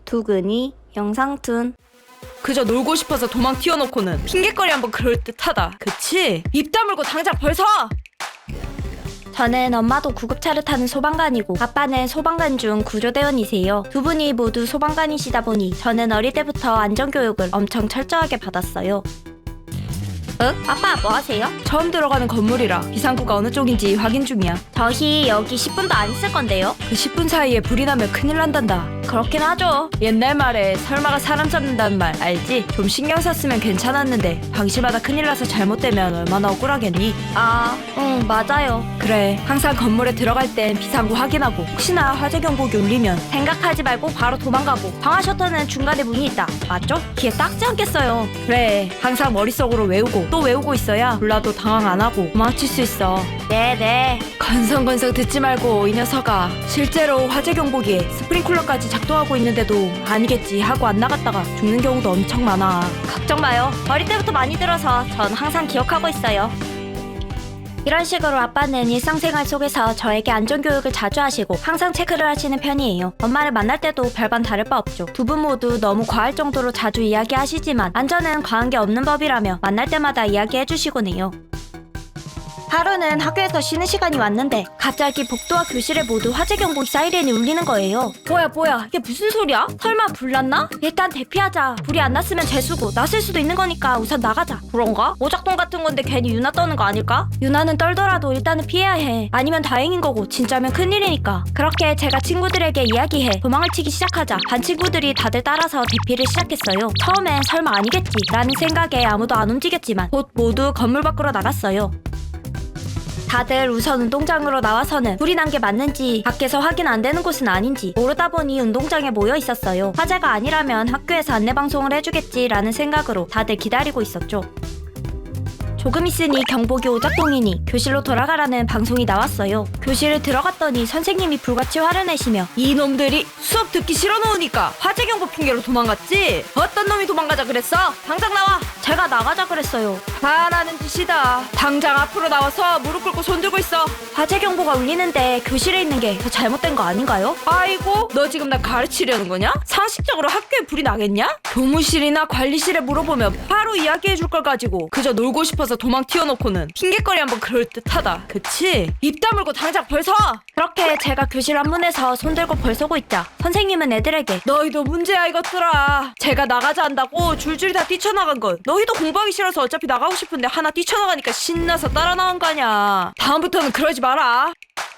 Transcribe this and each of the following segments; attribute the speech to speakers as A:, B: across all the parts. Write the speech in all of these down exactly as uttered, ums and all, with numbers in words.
A: 두근이 영상툰.
B: 그저 놀고 싶어서 도망 튀어놓고는 핑계거리 한번 그럴듯하다. 그치? 입 다물고 당장 벌써!
A: 저는 엄마도 구급차를 타는 소방관이고 아빠는 소방관 중 구조대원이세요. 두 분이 모두 소방관이시다 보니 저는 어릴 때부터 안전교육을 엄청 철저하게 받았어요. 응? 아빠 뭐 하세요?
B: 처음 들어가는 건물이라 비상구가 어느 쪽인지 확인 중이야.
A: 저희 여기 십 분도 안 있을 건데요?
B: 그 십 분 사이에 불이 나면 큰일 난단다.
A: 그렇긴 하죠.
B: 옛날 말에 설마가 사람 잡는다는 말 알지? 좀 신경 썼으면 괜찮았는데 방심하다 큰일 나서 잘못되면 얼마나 억울하겠니?
A: 아, 응 맞아요.
B: 그래, 항상 건물에 들어갈 땐 비상구 확인하고 혹시나 화재 경보기 울리면
A: 생각하지 말고 바로 도망가고 방화 셔터는 중간에 문이 있다. 맞죠? 귀에 딱지 않겠어요.
B: 그래, 항상 머릿속으로 외우고 또 외우고 있어야 몰라도 당황 안 하고 도망칠 수 있어.
A: 네네.
B: 건성건성 듣지 말고 이 녀석아, 실제로 화재 경보기에 스프링클러까지 작동하고 있는데도 아니겠지 하고 안 나갔다가 죽는 경우도 엄청 많아.
A: 걱정 마요. 어릴 때부터 많이 들어서 전 항상 기억하고 있어요. 이런 식으로 아빠는 일상생활 속에서 저에게 안전교육을 자주 하시고 항상 체크를 하시는 편이에요. 엄마를 만날 때도 별반 다를 바 없죠. 두 분 모두 너무 과할 정도로 자주 이야기하시지만 안전은 과한 게 없는 법이라며 만날 때마다 이야기해주시곤 해요. 하루는 학교에서 쉬는 시간이 왔는데 갑자기 복도와 교실에 모두 화재 경보 사이렌이 울리는 거예요. 뭐야 뭐야 이게 무슨 소리야? 설마 불 났나? 일단 대피하자. 불이 안 났으면 재수고 났을 수도 있는 거니까 우선 나가자. 그런가? 오작동 같은 건데 괜히 유나 떠는 거 아닐까? 유나는 떨더라도 일단은 피해야 해. 아니면 다행인 거고 진짜면 큰일이니까. 그렇게 제가 친구들에게 이야기해 도망을 치기 시작하자 반 친구들이 다들 따라서 대피를 시작했어요. 처음엔 설마 아니겠지 라는 생각에 아무도 안 움직였지만 곧 모두 건물 밖으로 나갔어요. 다들 우선 운동장으로 나와서는 불이 난 게 맞는지 밖에서 확인 안 되는 곳은 아닌지 모르다 보니 운동장에 모여 있었어요. 화재가 아니라면 학교에서 안내방송을 해주겠지라는 생각으로 다들 기다리고 있었죠. 조금 있으니 경보기 오작동이니 교실로 돌아가라는 방송이 나왔어요. 교실을 들어갔더니 선생님이 불같이 화를 내시며
B: 이놈들이 수업 듣기 싫어 놓으니까 화재 경보 핑계로 도망갔지? 어떤 놈이 도망가자 그랬어? 당장 나와!
A: 제가 나가자 그랬어요.
B: 잘하는 짓이다. 당장 앞으로 나와서 무릎 꿇고 손 들고 있어.
A: 화재 경보가 울리는데 교실에 있는 게 더 잘못된 거 아닌가요?
B: 아이고, 너 지금 나 가르치려는 거냐? 상식적으로 학교에 불이 나겠냐? 교무실이나 관리실에 물어보면 바로 이야기해 줄 걸 가지고 그저 놀고 싶어서 도망 튀어놓고는 핑계거리 한번 그럴듯하다. 그치? 입 다물고 당장 벌써!
A: 그렇게 제가 교실 앞문에서 손 들고 벌서고 있자 선생님은 애들에게
B: 너희도 문제야 이것들아. 제가 나가자 한다고 줄줄이 다 뛰쳐나간 건 너희도 공부하기 싫어서 어차피 나가고 싶은데 하나 뛰쳐나가니까 신나서 따라 나온 거 아냐. 다음부터는 그러지 마라.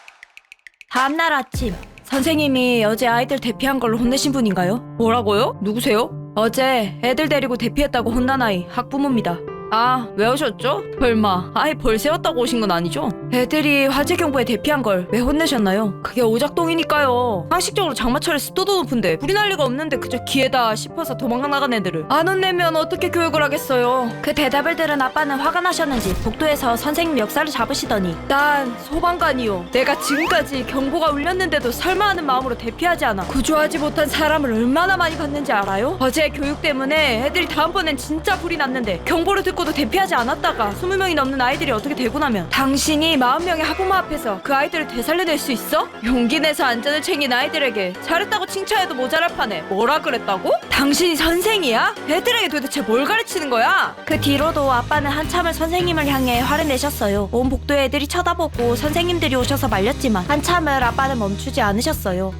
A: 다음날 아침
B: 선생님이 어제 아이들 대피한 걸로 혼내신 분인가요? 뭐라고요? 누구세요? 어제 애들 데리고 대피했다고 혼난 아이 학부모입니다. 아, 왜 오셨죠? 설마 아이 벌 세웠다고 오신 건 아니죠? 애들이 화재 경보에 대피한 걸 왜 혼내셨나요? 그게 오작동이니까요. 상식적으로 장마철에 습도도 높은데 불이 날 리가 없는데 그저 기회다 싶어서 도망가 나간 애들을 안 혼내면 어떻게 교육을 하겠어요?
A: 그 대답을 들은 아빠는 화가 나셨는지 복도에서 선생님 멱살을 잡으시더니
B: 난 소방관이요. 내가 지금까지 경보가 울렸는데도 설마 하는 마음으로 대피하지 않아 구조하지 못한 사람을 얼마나 많이 봤는지 알아요? 어제 교육 때문에 애들이 다음번엔 진짜 불이 났는데 경보를 듣고도 대피하지 않았다가 스무 명이 넘는 아이들이 어떻게 되고 나면 당신이 마흔 명의 학부모 앞에서 그 아이들을 되살려낼 수 있어? 용기 내서 안전을 챙긴 아이들에게 잘했다고 칭찬해도 모자랄 판에 뭐라 그랬다고? 당신이 선생이야? 애들에게 도대체 뭘 가르치는 거야?
A: 그 뒤로도 아빠는 한참을 선생님을 향해 화를 내셨어요. 온 복도의 애들이 쳐다보고 선생님들이 오셔서 말렸지만 한참을 아빠는 멈추지 않으셨어요.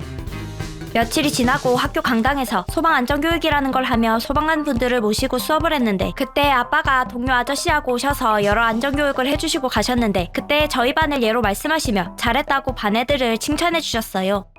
A: 며칠이 지나고 학교 강당에서 소방안전교육이라는 걸 하며 소방관 분들을 모시고 수업을 했는데 그때 아빠가 동료 아저씨하고 오셔서 여러 안전교육을 해주시고 가셨는데 그때 저희 반을 예로 말씀하시며 잘했다고 반 애들을 칭찬해 주셨어요.